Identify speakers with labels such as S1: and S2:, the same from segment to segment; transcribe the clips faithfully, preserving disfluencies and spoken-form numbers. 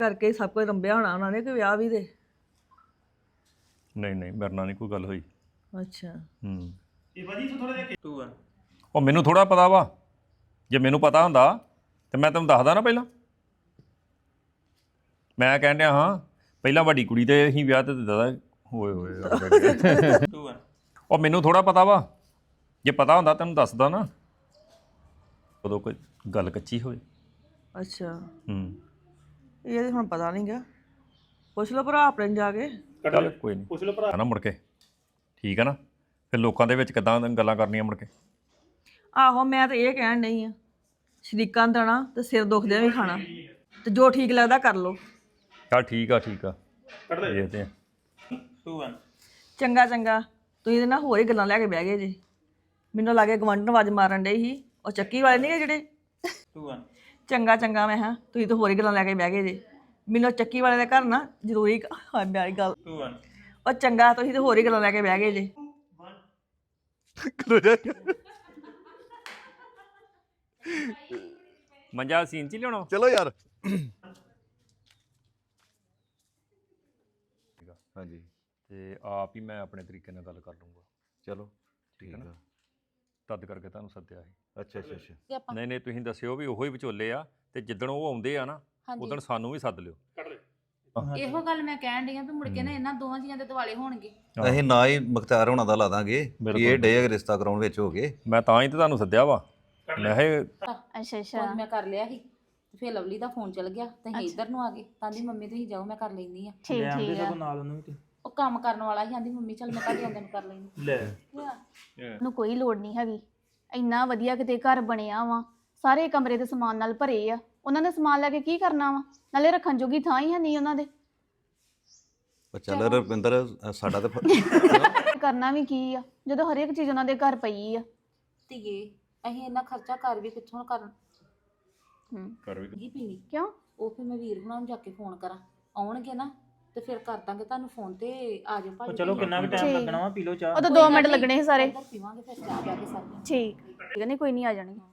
S1: ਕਰਕੇ ਹੀ ਸਭ ਕੁਝ ਰੰਭਿਆ ਹੋਣਾ ਉਹਨਾਂ ਨੇ ਕਿ ਵਿਆਹ ਵੀ ਦੇ।
S2: ਨਹੀਂ ਨਹੀਂ ਮੇਰੇ ਨਾਲ ਨਹੀਂ ਕੋਈ ਗੱਲ ਹੋਈ।
S1: ਅੱਛਾ
S2: ਹੂੰ
S3: ਇਹ ਭਾਜੀ ਥੋੜਾ ਜਿਹਾ ਟੂ ਆ
S2: ਉਹ ਮੈਨੂੰ ਥੋੜਾ ਪਤਾ ਵਾ, ਜੇ ਮੈਨੂੰ ਪਤਾ ਹੁੰਦਾ ਤੇ ਮੈਂ ਤੈਨੂੰ ਦੱਸਦਾ ਨਾ ਪਹਿਲਾਂ। ਮੈਂ ਕਹਿਣ ਡਿਆ ਹਾਂ ਪਹਿਲਾਂ ਵੱਡੀ ਕੁੜੀ ਤੇ ਅਸੀਂ ਵਿਆਹ ਤੇ ਦਾਦਾ ਹੋਏ ਹੋਏ
S3: ਟੂ ਆ
S2: ਉਹ ਮੈਨੂੰ ਥੋੜਾ ਪਤਾ ਵਾ, ਜੇ ਪਤਾ ਹੁੰਦਾ ਤੈਨੂੰ ਦੱਸਦਾ ਨਾ। ਉਦੋਂ ਕੋਈ ਗੱਲ ਕੱਚੀ ਹੋਵੇ।
S1: ਅੱਛਾ
S2: ਹੂੰ
S1: ਇਹ ਤਾਂ ਹੁਣ ਪਤਾ ਨਹੀਂ ਗਾ, ਪੁੱਛ ਲਓ ਭਰਾ ਆਪਣੇ ਨੂੰ ਜਾ ਕੇ।
S2: ਚੱਲ ਕੋਈ ਨਹੀਂ
S3: ਪੁੱਛ ਲਓ ਭਰਾ
S2: ਨਾ ਮੁੜ ਕੇ, ਠੀਕ ਹੈ ਨਾ। ਫਿਰ ਲੋਕਾਂ ਦੇ ਵਿੱਚ ਕਿੱਦਾਂ ਗੱਲਾਂ ਕਰਨੀਆਂ ਮੁੜ ਕੇ।
S1: ਆਹੋ ਮੈਂ ਤਾਂ ਇਹ ਕਹਿਣ ਨਹੀਂ ਆ, ਸ਼ਰੀਕਾਂ ਨੂੰ ਦੇਣਾ ਤੇ ਸਿਰ ਦੁਖਦਿਆਂ ਵੀ ਖਾਣਾ, ਤੇ ਜੋ ਠੀਕ ਲੱਗਦਾ ਕਰ ਲਓ।
S2: ਚੱਲ ਠੀਕ ਆ ਠੀਕ ਆ
S3: ਕੱਢ ਲੈ
S2: ਦੇਖਦੇ ਆ।
S3: ਟੂ ਆ
S1: ਚੰਗਾ ਚੰਗਾ ਤੁਸੀਂ ਇਹਦੇ ਨਾਲ ਹੋਰ ਹੀ ਗੱਲਾਂ ਲੈ ਕੇ ਬਹਿ ਗਏ ਜੀ। ਮੈਨੂੰ ਲੱਗੇ ਗਵੰਡਨ ਆਵਾਜ਼ ਮਾਰਨ ਡੇ ਸੀ, ਉਹ ਚੱਕੀ ਵਾਲੇ ਨਹੀਂ ਜਿਹੜੇ।
S3: ਟੂ ਆ
S1: ਚੰਗਾ ਚੰਗਾ ਮੈਂ ਹਾਂ ਤੁਸੀਂ ਤਾਂ ਹੋਰ ਹੀ ਗੱਲਾਂ ਲੈ ਕੇ ਬਹਿ ਗਏ ਜੀ। ਮੈਨੂੰ ਚੱਕੀ ਵਾਲੇ ਦੇ ਘਰ ਨਾ ਜ਼ਰੂਰੀ ਹਾਂ ਮੇਰੀ ਗੱਲ।
S3: ਟੂ ਆ
S1: ਉਹ ਚੰਗਾ ਤੁਸੀਂ ਤਾਂ ਹੋਰ ਹੀ ਗੱਲਾਂ ਲੈ ਕੇ ਬਹਿ ਗਏ ਜੀ।
S2: ਮੰਜਾ ਸੀਨ ਚ ਹੀ ਲਿਆਉਣਾ।
S4: ਚਲੋ ਯਾਰ ਹਾਂਜੀ
S2: ਤੇ ਆਪ ਹੀ ਮੈਂ ਆਪਣੇ ਤਰੀਕੇ ਨਾਲ ਗੱਲ ਕਰ ਲੂੰਗਾ।
S4: ਚਲੋ
S2: ਠੀਕ
S4: ਠੀਕ
S2: ਹੈ ਨਾ।
S4: ਆ
S2: ਤਦ ਕਰਕੇ ਤੁਹਾਨੂੰ ਸੱਦਿਆ ਸੀ।
S4: ਅੱਛਾ ਅੱਛਾ ਅੱਛਾ
S5: ਕਿ ਆਪਾਂ
S2: ਨਹੀਂ ਨਹੀਂ ਤੁਸੀਂ ਦੱਸਿਓ ਵੀ ਉਹੋ ਹੀ ਵਿਚੋਲੇ ਆ, ਤੇ ਜਿੱਦਣ ਉਹ ਆਉਂਦੇ ਆ ਨਾ
S5: ਹਾਂਜੀ
S2: ਉਦੋਂ ਸਾਨੂੰ ਵੀ ਸੱਦ ਲਿਓ।
S3: ਕੱਢ ਲੈ
S5: ਇਹੋ ਗੱਲ ਮੈਂ ਕਹਿਣ ਡਈ ਆ ਵੀ ਮੁੜ ਕੇ ਨਾ ਇਹਨਾਂ ਦੋਵਾਂ ਜੀਆਂ ਦੇ ਦਿਵਾਲੇ ਹੋਣਗੇ।
S2: ਆਹੋ।
S4: ਅਸੀਂ ਨਾ ਹੀ ਮੁਖਤਿਆਰ ਹੋਣਾ ਦਾ ਲਾ ਦਾਂਗੇ ਕਿ
S2: ਬਿਲਕੁਲ।
S4: ਇਹ ਡੇ ਰਿਸ਼ਤਾ ਕਰਾਉਣ ਵਿੱਚ ਹੋ ਗਏ।
S2: ਮੈਂ ਤਾਂ ਹੀ ਤੇ ਤੁਹਾਨੂੰ ਸੱਦਿਆ ਵਾ। ਮੈਂ ਕਿਹਾ
S5: ਅੱਛਾ ਅੱਛਾ ਮੈਂ ਕਰ ਲਿਆ ਸੀ ਤੇ ਫਿਰ ਲਵਲੀ ਦਾ ਫੋਨ ਚਲ ਗਿਆ ਤੇ ਅਸੀਂ ਇੱਧਰ ਨੂੰ ਆ ਗਏ। ਤਾਂ ਦੀ ਮੰਮੀ ਤੁਸੀਂ ਜਾਓ ਮੈਂ ਕਰ ਲੈਂਦੀ ਆ।
S6: ਠੀਕ ਠੀਕ ਆ
S3: ਨਾਲ ਉਹਨੂੰ ਵੀ
S5: ਉਹ ਕੰਮ ਕਰਨ ਵਾਲਾ ਸੀ, ਆਂਦੀ ਮੰਮੀ ਚੱਲ ਮੈਂ ਤੁਹਾਡੇ ਆਉਂਦੇ ਨੂੰ ਕਰ ਲੈਂਦੀ।
S3: ਲੈ
S6: ਨੂੰ ਕੋਈ ਲੋੜ ਨਹੀਂ ਹੈਗੀ। ਇੰਨਾ ਵਧੀਆ ਕਿਤੇ ਘਰ ਬਣਿਆ ਵਾ, ਸਾਰੇ ਕਮਰੇ ਦੇ ਸਮਾਨ ਨਾਲ ਭਰੇ ਆ। ਉਹਨਾਂ ਨੇ ਸਮਾਨ ਲੈ ਕੇ ਕੀ ਕਰਨਾ ਵਾ, ਨਾਲੇ ਰੱਖਣ ਜੋਗੀ ਥਾਂ ਹੀ ਹੈ ਨਹੀਂ ਉਹਨਾਂ ਦੇ।
S4: ਪਰ ਚੱਲ ਰਵਿੰਦਰ ਅ, ਸਾਡਾ ਤਾਂ ਫ-
S6: ਕਰਨਾ ਵੀ ਕੀ ਆ ਜਦੋਂ ਹਰੇਕ ਚੀਜ਼ ਉਹਨਾਂ ਦੇ ਘਰ ਪਈ ਆ।
S5: ਧੀਏ ਅਸੀਂ ਇੰਨਾ ਖਰਚਾ ਕਰ ਵੀ ਕਿੱਥੋਂ ਕਰਨ
S6: ਹੂੰ
S2: ਕਰ ਵੀ
S5: ਕੀ ਪੀਣੀ।
S6: ਕਿਉਂ?
S5: ਉਹ ਫਿਰ ਮੈਂ ਵੀਰ ਹੁਣਾਂ ਨੂੰ ਜਾ ਕੇ ਫੋਨ ਕਰਾਂ, ਆਉਣਗੇ ਨਾ ਤੇ ਫਿਰ ਕਰ ਦਾਂਗੇ ਤੁਹਾਨੂੰ ਫੋਨ ਤੇ ਆ ਜਾਓ ਭਾਜੀ।
S3: ਚਲੋ ਕਿੰਨਾ ਕੁ ਟਾਈਮ
S6: ਠੀਕ।
S3: ਲੱਗਣਾ ਵਾ ਪੀ ਲਓ ਚਾਹ।
S6: ਉਹ ਤਾਂ ਦੋ ਮਿੰਟ ਲੱਗਣੇ ਸੀ ਸਾਰੇ।
S5: ਇੱਧਰ ਪੀਵਾਂਗੇ ਫਿਰ ਚਾਹ ਜਾ ਕੇ ਸਾਰੇ।
S6: ਠੀਕ ਠੀਕ ਆ, ਨਹੀਂ ਕੋਈ ਨਹੀਂ ਆ ਜਾਣੀ।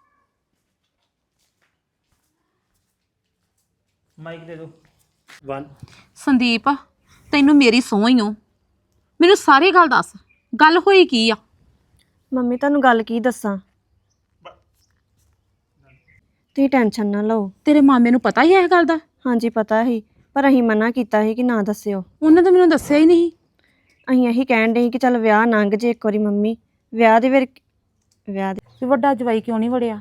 S3: ਮਾਈਕ ਦੇ ਦਿਓ ਇੱਕ
S7: ਸੰਦੀਪ ਤੈਨੂੰ ਮੇਰੀ ਸਹੁੰ ਹੀ ਓ, ਮੈਨੂੰ ਸਾਰੀ ਗੱਲ ਦੱਸ, ਗੱਲ ਹੋਈ ਕੀ ਆ?
S8: ਮੰਮੀ ਤੁਹਾਨੂੰ ਗੱਲ ਕੀ ਦੱਸਾਂ, ਤੁਸੀਂ ਟੈਨਸ਼ਨ ਨਾ ਲਓ।
S7: ਤੇਰੇ ਮਾਮੇ ਨੂੰ ਪਤਾ ਹੀ ਹੈ ਇਹ ਗੱਲ ਦਾ?
S8: ਹਾਂਜੀ ਪਤਾ ਸੀ, ਪਰ ਅਸੀਂ ਮਨਾ ਕੀਤਾ ਸੀ ਕਿ ਨਾ ਦੱਸਿਓ।
S7: ਉਹਨੇ ਤਾਂ ਮੈਨੂੰ ਦੱਸਿਆ ਹੀ ਨਹੀਂ।
S8: ਅਸੀਂ ਇਹੀ ਕਹਿਣ ਦੇ ਕਿ ਚੱਲ ਵਿਆਹ ਲੰਘ ਜੇ ਇੱਕ ਵਾਰੀ। ਮੰਮੀ ਵਿਆਹ ਦੇ ਫਿਰ ਵਿਆਹ ਦੇ
S7: ਵੀ ਵੱਡਾ ਜਵਾਈ ਕਿਉਂ ਨਹੀਂ ਵੜਿਆ?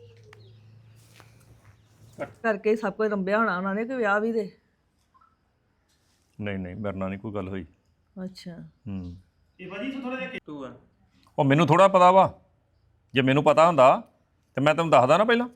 S1: ਕਰਕੇ ਹੀ ਸਭ ਕੁਝ ਰੰਭਿਆ ਹੋਣਾ ਉਹਨਾਂ ਨੇ ਕਿ ਵਿਆਹ ਵੀ ਦੇ।
S2: ਨਹੀਂ ਨਹੀਂ ਮੇਰੇ ਨਾਲ ਨਹੀਂ ਕੋਈ ਗੱਲ ਹੋਈ।
S1: ਅੱਛਾ
S2: ਹੂੰ
S3: ਇਹ ਭਾਜੀ ਥੋੜਾ ਜਿਹਾ ਟੂ ਆ
S2: ਉਹ ਮੈਨੂੰ ਥੋੜਾ ਪਤਾ ਵਾ, ਜੇ ਮੈਨੂੰ ਪਤਾ ਹੁੰਦਾ ਤੇ ਮੈਂ ਤੈਨੂੰ ਦੱਸਦਾ ਨਾ ਪਹਿਲਾਂ।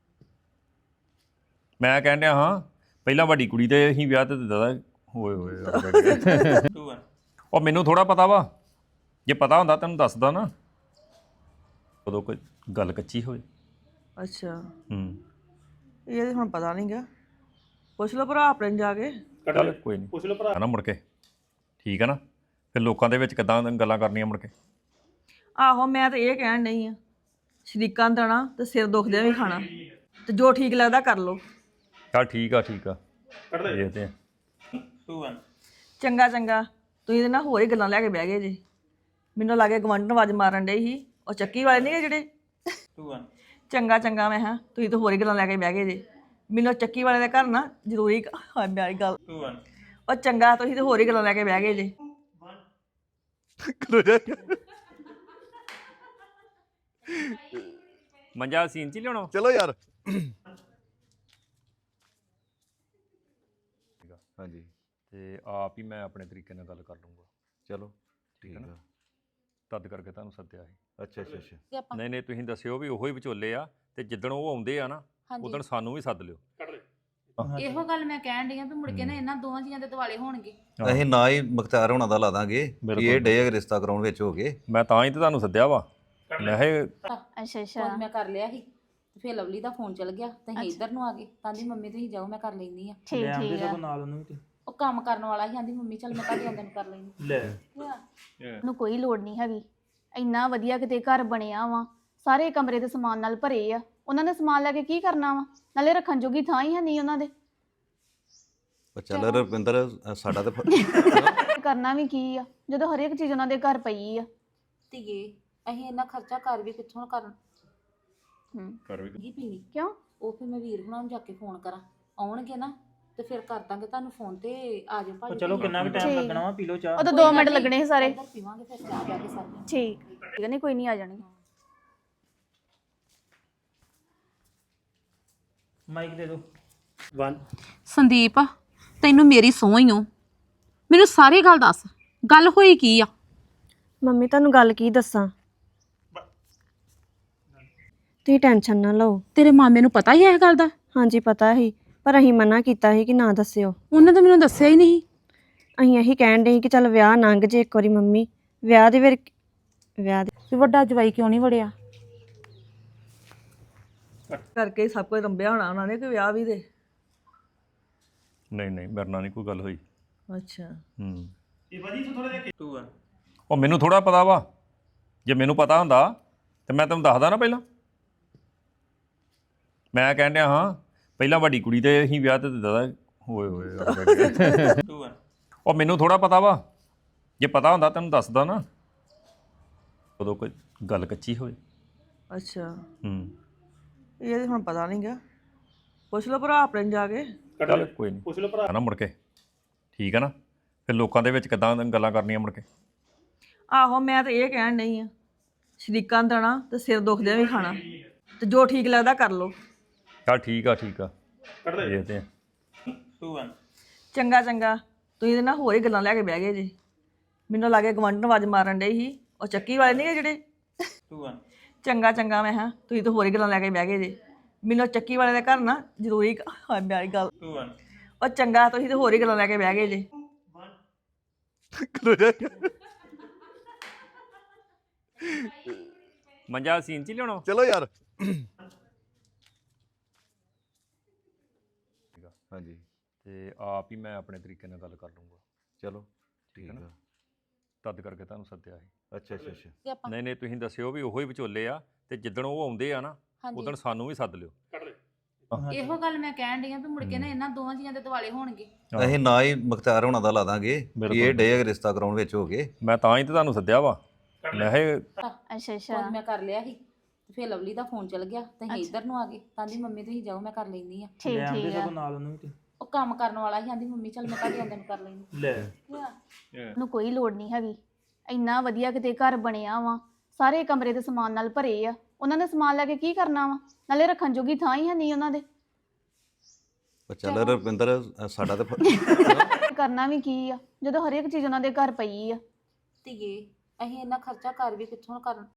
S2: ਮੈਂ ਕਹਿਣ ਡਿਆ ਹਾਂ ਪਹਿਲਾਂ ਵੱਡੀ ਕੁੜੀ ਤੇ ਅਸੀਂ ਵਿਆਹ ਤੇ ਦਾਦਾ ਹੋਏ ਹੋਏ
S3: ਟੂ ਆ
S2: ਉਹ ਮੈਨੂੰ ਥੋੜਾ ਪਤਾ ਵਾ, ਜੇ ਪਤਾ ਹੁੰਦਾ ਤੈਨੂੰ ਦੱਸਦਾ ਨਾ। ਉਦੋਂ ਕੋਈ ਗੱਲ ਕੱਚੀ ਹੋਵੇ।
S1: ਅੱਛਾ
S2: ਹੂੰ
S1: ਇਹ ਤਾਂ ਹੁਣ ਪਤਾ ਨਹੀਂ ਗਾ, ਪੁੱਛ ਲਓ ਭਰਾ ਆਪਣੇ ਨੂੰ ਜਾ ਕੇ।
S3: ਕੱਢ
S2: ਚੱਲ
S3: ਲੈ
S2: ਕੋਈ ਨਹੀਂ
S3: ਪੁੱਛ ਲਓ ਭਰਾ
S2: ਨਾ ਮੁੜ ਕੇ, ਠੀਕ ਹੈ ਨਾ। ਫਿਰ ਲੋਕਾਂ ਦੇ ਵਿੱਚ ਕਿੱਦਾਂ ਗੱਲਾਂ ਕਰਨੀਆਂ ਮੁੜ ਕੇ।
S1: ਆਹੋ ਮੈਂ ਤਾਂ ਇਹ ਕਹਿਣ ਨਹੀਂ ਆ, ਸ਼ਰੀਕਾਂ ਨੂੰ ਦੇਣਾ ਤੇ ਸਿਰ ਦੁਖਦਿਆਂ ਵੀ ਖਾਣਾ, ਤੇ ਜੋ ਠੀਕ ਲੱਗਦਾ ਕਰ ਲਓ।
S2: ਚੱਲ ਠੀਕ ਆ ਠੀਕ ਆ
S3: ਕੱਢ ਲੈ
S2: ਦੇਖਦੇ ਆ।
S3: ਟੂ ਆ
S1: ਚੰਗਾ ਚੰਗਾ ਤੁਸੀਂ ਇਹਦੇ ਨਾਲ ਹੋਰ ਹੀ ਗੱਲਾਂ ਲੈ ਕੇ ਬਹਿ ਗਏ ਜੀ। ਮੈਨੂੰ ਲੱਗੇ ਗਵੰਡਨ ਆਵਾਜ਼ ਮਾਰਨ ਡੇ ਸੀ, ਉਹ ਚੱਕੀ ਵਾਲੇ ਨਹੀਂ ਜਿਹੜੇ।
S3: ਟੂ ਆ
S1: ਚੰਗਾ ਚੰਗਾ ਮੈਂ ਹਾਂ ਤੁਸੀਂ ਤਾਂ ਹੋਰ ਹੀ ਗੱਲਾਂ ਲੈ ਕੇ ਬਹਿ ਗਏ ਜੀ। ਮੈਨੂੰ ਚੱਕੀ ਵਾਲੇ ਦੇ ਘਰ ਨਾ ਜ਼ਰੂਰੀ ਹਾਂ ਮੇਰੀ ਗੱਲ।
S3: ਟੂ ਆ
S1: ਉਹ ਚੰਗਾ ਤੁਸੀਂ ਤਾਂ ਹੋਰ ਹੀ ਗੱਲਾਂ ਲੈ ਕੇ ਬਹਿ ਗਏ ਜੀ।
S2: ਮੰਜਾ ਸੀਨ ਚ ਹੀ ਲਿਆਉਣਾ।
S4: ਚਲੋ ਯਾਰ ਹਾਂਜੀ
S2: ਤੇ ਆਪ ਹੀ ਮੈਂ ਆਪਣੇ ਤਰੀਕੇ ਨਾਲ ਗੱਲ ਕਰ ਲੂੰਗਾ।
S4: ਚਲੋ
S2: ਠੀਕ
S4: ਠੀਕ
S2: ਹੈ ਨਾ।
S4: ਆ
S2: ਤਦ ਕਰਕੇ ਤੁਹਾਨੂੰ ਸੱਦਿਆ ਸੀ।
S4: ਅੱਛਾ ਅੱਛਾ ਅੱਛਾ
S5: ਕਿ ਆਪਾਂ
S2: ਨਹੀਂ ਨਹੀਂ ਤੁਸੀਂ ਦੱਸਿਓ ਵੀ ਉਹੋ ਹੀ ਵਿਚੋਲੇ ਆ, ਤੇ ਜਿੱਦਣ ਉਹ ਆਉਂਦੇ ਆ ਨਾ
S5: ਹਾਂਜੀ
S2: ਉਦੋਂ ਸਾਨੂੰ ਵੀ ਸੱਦ ਲਿਓ।
S3: ਕੱਢ ਲੈ
S5: ਇਹੋ ਗੱਲ ਮੈਂ ਕਹਿਣ ਡਈ ਆ ਵੀ ਮੁੜ ਕੇ ਨਾ ਇਹਨਾਂ ਦੋਵਾਂ ਜੀਆਂ ਦੇ ਦਿਵਾਲੇ ਹੋਣਗੇ।
S4: ਅਸੀਂ ਨਾ ਹੀ ਮੁਖਤਿਆਰ ਹੋਣਾ ਦਾ ਲਾ ਦਾਂਗੇ ਕਿ
S2: ਬਿਲਕੁਲ।
S4: ਇਹ ਡੇ ਰਿਸ਼ਤਾ ਕਰਾਉਣ ਵਿੱਚ ਹੋ ਗਏ।
S2: ਮੈਂ ਤਾਂ ਹੀ ਤੇ ਤੁਹਾਨੂੰ ਸੱਦਿਆ ਵਾ। ਮੈਂ ਕਿਹਾ
S6: ਅੱਛਾ ਅੱਛਾ
S5: ਫੋਨ ਮੈਂ ਕਰ ਲਿਆ ਸੀ ਤੇ ਫਿਰ ਲਵਲੀ ਦਾ ਫੋਨ ਚਲ ਗਿਆ ਤੇ ਅਸੀਂ ਇੱਧਰ ਨੂੰ ਆ ਗਏ। ਤਾਂ ਦੀ ਮੰਮੀ ਤੁਸੀਂ ਜਾਓ ਮੈਂ ਕਰ ਲੈਂਦੀ ਆ।
S6: ਠੀਕ ਠੀਕ ਆ
S3: ਨਾਲ ਉਹਨੂੰ ਵੀ
S5: ਉਹ ਕੰਮ ਕਰਨ ਵਾਲਾ ਸੀ, ਆਂਦੀ ਮੰਮੀ ਚੱਲ ਮੈਂ ਤੁਹਾਡੇ ਆਉਂਦੇ ਨੂੰ ਕਰ ਲੈਂਦੀ।
S3: ਲੈ
S6: ਨੂੰ ਕੋਈ ਲੋੜ ਨਹੀਂ ਹੈਗੀ। ਇੰਨਾ ਵਧੀਆ ਕਿਤੇ ਘਰ ਬਣਿਆ ਵਾ, ਸਾਰੇ ਕਮਰੇ ਦੇ ਸਮਾਨ ਨਾਲ ਭਰੇ ਆ। ਉਹਨਾਂ ਨੇ ਸਮਾਨ ਲੈ ਕੇ ਕੀ ਕਰਨਾ ਵਾ, ਨਾਲੇ ਰੱਖਣ ਜੋਗੀ ਥਾਂ ਹੀ ਹੈ ਨਹੀਂ ਉਹਨਾਂ ਦੇ।
S4: ਪਰ ਚੱਲ ਰਵਿੰਦਰ ਅ, ਸਾਡਾ ਤੇ ਫ-
S6: ਕਰਨਾ ਵੀ ਕੀ ਆ ਜਦੋਂ ਹਰੇਕ ਚੀਜ਼ ਉਹਨਾਂ ਦੇ ਘਰ ਪਈ ਆ।
S5: ਧੀਏ ਅਸੀਂ ਇੰਨਾ ਖਰਚਾ ਕਰ ਵੀ ਕਿੱਥੋਂ ਕਰਨ
S6: ਹੂੰ
S2: ਕਰ ਵੀ
S5: ਕੀ ਪੀਣੀ
S6: ਕਿਉਂ?
S5: ਉਹ ਫਿਰ ਮੈਂ ਵੀਰ ਹੁਣਾਂ ਨੂੰ ਜਾ ਕੇ ਫੋਨ ਕਰਾਂ ਆਉਣਗੇ ਨਾ ਤੇ ਫਿਰ ਕਰ ਦਾਂਗੇ ਤੁਹਾਨੂੰ ਫੋਨ ਤੇ ਆ ਜਾਓ ਭਾਜੀ
S3: ਚਲੋ ਕਿੰਨਾ ਕੁ ਟਾਈਮ
S6: ਠੀਕ।
S3: ਲੱਗਣਾ ਵਾ ਪੀ ਲਓ ਚਾਹ
S6: ਉਹ ਤਾਂ ਦੋ ਮਿੰਟ ਲੱਗਣੇ ਸੀ ਸਾਰੇ।
S5: ਇੱਧਰ ਪੀਵਾਂਗੇ ਫਿਰ ਚਾਹ ਜਾ ਕੇ ਸਾਰੇ
S6: ਠੀਕ ਠੀਕ ਆ, ਨਹੀਂ ਕੋਈ ਨਹੀਂ ਆ ਜਾਣਗੇ।
S3: ਮਾਈਕ ਦੇ ਦਿਓ one
S7: ਸੰਦੀਪ ਤੈਨੂੰ ਮੇਰੀ ਸਹੁੰ ਹੀ ਓ ਮੈਨੂੰ ਸਾਰੀ ਗੱਲ ਦੱਸ ਗੱਲ ਹੋਈ ਕੀ ਆ?
S8: ਮੰਮੀ ਤੁਹਾਨੂੰ ਗੱਲ ਕੀ ਦੱਸਾਂ, ਤੁਸੀਂ ਟੈਨਸ਼ਨ ਨਾ ਲਓ।
S7: ਤੇਰੇ ਮਾਮੇ ਨੂੰ ਪਤਾ ਹੀ ਹੈ ਇਹ ਗੱਲ ਦਾ?
S8: ਹਾਂਜੀ ਪਤਾ ਸੀ, ਪਰ ਅਸੀਂ ਮਨਾ ਕੀਤਾ ਸੀ ਕਿ ਨਾ ਦੱਸਿਓ।
S7: ਉਹਨੇ ਤਾਂ ਮੈਨੂੰ ਦੱਸਿਆ ਹੀ ਨਹੀਂ।
S8: ਅਸੀਂ ਇਹੀ ਕਹਿਣ ਡਏ ਸੀ ਕਿ ਚੱਲ ਵਿਆਹ ਲੰਘ ਜੇ ਇੱਕ ਵਾਰੀ ਮੰਮੀ, ਵਿਆਹ ਦੇ ਫਿਰ ਵਿਆਹ ਦੇ
S7: ਵੀ ਵੱਡਾ ਜਵਾਈ ਕਿਉਂ ਨਹੀਂ ਵੜਿਆ?
S1: ਕਰਕੇ ਹੀ ਸਭ ਕੁਝ ਰੰਬਿਆ ਹੋਣਾ ਉਹਨਾਂ ਨੇ ਕਿ ਵਿਆਹ ਵੀ ਦੇ।
S2: ਨਹੀਂ ਨਹੀਂ ਮੇਰੇ ਨਾਲ ਨਹੀਂ ਕੋਈ ਗੱਲ ਹੋਈ।
S1: ਅੱਛਾ
S2: ਹੂੰ
S3: two one
S2: ਉਹ ਮੈਨੂੰ ਥੋੜਾ ਪਤਾ ਵਾ, ਜੇ ਮੈਨੂੰ ਪਤਾ ਹੁੰਦਾ ਤੇ ਮੈਂ ਤੈਨੂੰ ਦੱਸਦਾ ਨਾ ਪਹਿਲਾਂ। ਮੈਂ ਕਹਿਣ ਡਿਆ ਹਾਂ ਪਹਿਲਾਂ ਵੱਡੀ ਕੁੜੀ ਤੇ ਅਸੀਂ ਵਿਆਹ ਤੇ ਦਾਦਾ ਹੋਏ ਹੋਏ ਆ ਬੈਠੇ।
S3: two one
S2: ਉਹ ਮੈਨੂੰ ਥੋੜਾ ਪਤਾ ਵਾ, ਜੇ ਪਤਾ ਹੁੰਦਾ ਤੈਨੂੰ ਦੱਸਦਾ ਨਾ। ਉਦੋਂ ਕੋਈ ਗੱਲ ਕੱਚੀ ਹੋਵੇ।
S1: ਅੱਛਾ
S2: ਹੂੰ
S1: ਇਹ ਤਾਂ ਹੁਣ ਪਤਾ ਨਹੀਂ ਗਾ, ਪੁੱਛ ਲਓ ਭਰਾ ਆਪਣੇ ਨੂੰ ਜਾ ਕੇ।
S2: ਚੱਲ ਕੋਈ ਨਹੀਂ ਪੁੱਛ ਲਓ ਭਰਾ ਨਾ ਮੁੜ ਕੇ, ਠੀਕ ਹੈ ਨਾ? ਫਿਰ ਲੋਕਾਂ ਦੇ ਵਿੱਚ ਕਿੱਦਾਂ ਗੱਲਾਂ ਕਰਨੀਆਂ ਮੁੜ ਕੇ।
S1: ਆਹੋ ਮੈਂ ਤਾਂ ਇਹ ਕਹਿਣ ਨਹੀਂ ਆ, ਸ਼ਰੀਕਾਂ ਦੇਣਾ ਤੇ ਸਿਰ ਦੁਖਦਿਆਂ ਵੀ ਖਾਣਾ, ਤੇ ਜੋ ਠੀਕ ਲੱਗਦਾ ਕਰ ਲਓ।
S2: ਚੱਲ ਠੀਕ ਆ ਠੀਕ ਆ ਦੇਖਦੇ ਆ।
S3: two one
S1: ਚੰਗਾ ਚੰਗਾ ਤੁਸੀਂ ਤੇ ਨਾ ਹੋਰ ਹੀ ਗੱਲਾਂ ਲੈ ਕੇ ਬਹਿ ਗਏ ਜੀ। ਮੈਨੂੰ ਲੱਗੇ ਗਵੰਡਨ ਆਵਾਜ਼ ਮਾਰਨ ਡਈ ਸੀ, ਉਹ ਚੱਕੀ ਵਾਲੇ ਨਹੀਂ ਜਿਹੜੇ।
S3: two one
S1: ਚੰਗਾ ਚੰਗਾ ਮੈਂ ਹਾਂ ਤੁਸੀਂ ਤਾਂ ਹੋਰ ਹੀ ਗੱਲਾਂ ਲੈ ਕੇ ਬਹਿ ਗਏ ਜੀ। ਮੈਨੂੰ ਚੱਕੀ ਵਾਲੇ ਦੇ ਘਰ ਨਾ ਜ਼ਰੂਰੀ ਹਾਂ ਮੇਰੀ ਗੱਲ।
S3: two one
S1: ਉਹ ਚੰਗਾ ਤੁਸੀਂ ਤਾਂ ਹੋਰ ਹੀ ਗੱਲਾਂ ਲੈ ਕੇ ਬਹਿ ਗਏ ਜੀ।
S2: ਮੰਜਾ ਸੀਨ ਚ ਹੀ ਲਿਆਉਣਾ।
S4: ਚਲੋ ਯਾਰ ਹਾਂਜੀ
S2: ਤੇ ਆਪ ਹੀ ਮੈਂ ਆਪਣੇ ਤਰੀਕੇ ਨਾਲ ਗੱਲ ਕਰ ਲੂੰਗਾ।
S4: ਚਲੋ ਠੀਕ ਆ।
S2: ਤਦ ਕਰਕੇ ਤੁਹਾਨੂੰ ਸੱਦਿਆ ਸੀ।
S4: ਅੱਛਾ ਅੱਛਾ ਅੱਛਾ
S5: ਕਿ ਆਪਾਂ
S2: ਨਹੀਂ ਨਹੀਂ ਤੁਸੀਂ ਦੱਸਿਓ ਵੀ ਉਹੋ ਹੀ ਵਿਚੋਲੇ ਆ, ਤੇ ਜਿੱਦਣ ਉਹ ਆਉਂਦੇ ਆ ਨਾ ਉਦੋਂ ਸਾਨੂੰ ਵੀ ਸੱਦ ਲਿਓ।
S5: ਇਹੋ ਗੱਲ ਮੈਂ ਕਹਿਣ ਡਈ ਆ ਵੀ ਮੁੜ ਕੇ ਨਾ ਇਹਨਾਂ ਦੋਵਾਂ ਜੀਆਂ ਦੇ ਦਿਵਾਲੇ ਹੋਣਗੇ।
S4: ਅਸੀਂ ਨਾ ਹੀ ਮੁਖਤਾਰ ਹੋਣਾ ਦਾ ਲਾ ਦਾਂਗੇ ਵੀ ਇਹ ਡੇ ਰਿਸ਼ਤਾ ਕਰਾਉਣ ਵਿੱਚ ਹੋ ਗਏ।
S2: ਮੈਂ ਤਾਂ ਹੀ ਤੇ ਤੁਹਾਨੂੰ ਸੱਦਿਆ ਵਾ। ਮੈਂ ਕਿਹਾ
S6: ਅੱਛਾ ਅੱਛਾ
S5: ਫੋਨ ਮੈਂ ਕਰ ਲਿਆ ਸੀ ਤੇ ਫਿਰ ਲਵਲੀ ਦਾ ਫੋਨ ਚਲ ਗਿਆ ਤੇ ਅਸੀਂ ਇੱਧਰ ਨੂੰ ਆ ਗਏ। ਕਹਿੰਦੀ ਮੰਮੀ ਤੁਸੀਂ ਜਾਓ ਮੈਂ ਕਰ ਲੈਂਦੀ ਆ।
S6: ਠੀਕ
S3: ਲੈ ਆਉਂਦੇ
S6: ਠੀਕ ਆ।
S3: ਸਗੋਂ ਨਾਲ ਉਹਨੂੰ ਵੀ
S5: ਉਹ ਕੰਮ ਕਰਨ ਵਾਲਾ ਸੀ, ਕਹਿੰਦੀ ਮੰਮੀ ਚੱਲ ਮੈਂ ਤੁਹਾਡੇ ਆਉਂਦੇ ਨੂੰ ਕਰ ਲੈਂਦੀ।
S3: ਤੇ। ਲੈ
S6: ਨੂੰ ਕੋਈ ਲੋੜ ਨਹੀਂ ਹੈਗੀ, ਇੰਨਾ ਵਧੀਆ ਕਿਤੇ ਘਰ ਬਣਿਆ ਵਾ, ਸਾਰੇ ਕਮਰੇ ਦੇ ਸਮਾਨ ਨਾਲ ਭਰੇ ਆ। ਉਹਨਾਂ ਨੇ ਸਮਾਨ ਲੈ ਕੇ ਕੀ ਕਰਨਾ ਵਾ, ਨਾਲੇ ਰੱਖਣ ਜੋਗੀ ਥਾਂ ਹੀ ਹੈ ਨਹੀਂ ਉਹਨਾਂ ਦੇ।
S4: ਪਰ ਚੱਲ ਰਵਿੰਦਰ ਅ, ਸਾਡਾ ਤੇ ਫ-
S6: ਕਰਨਾ ਵੀ ਕੀ ਆ ਜਦੋਂ ਹਰੇਕ ਚੀਜ਼ ਉਹਨਾਂ ਦੇ ਘਰ ਪਈ ਆ।
S5: ਧੀਏ ਅਸੀਂ ਇੰਨਾ ਖਰਚਾ ਕਰ ਵੀ ਕਿੱਥੋਂ ਕਰਨ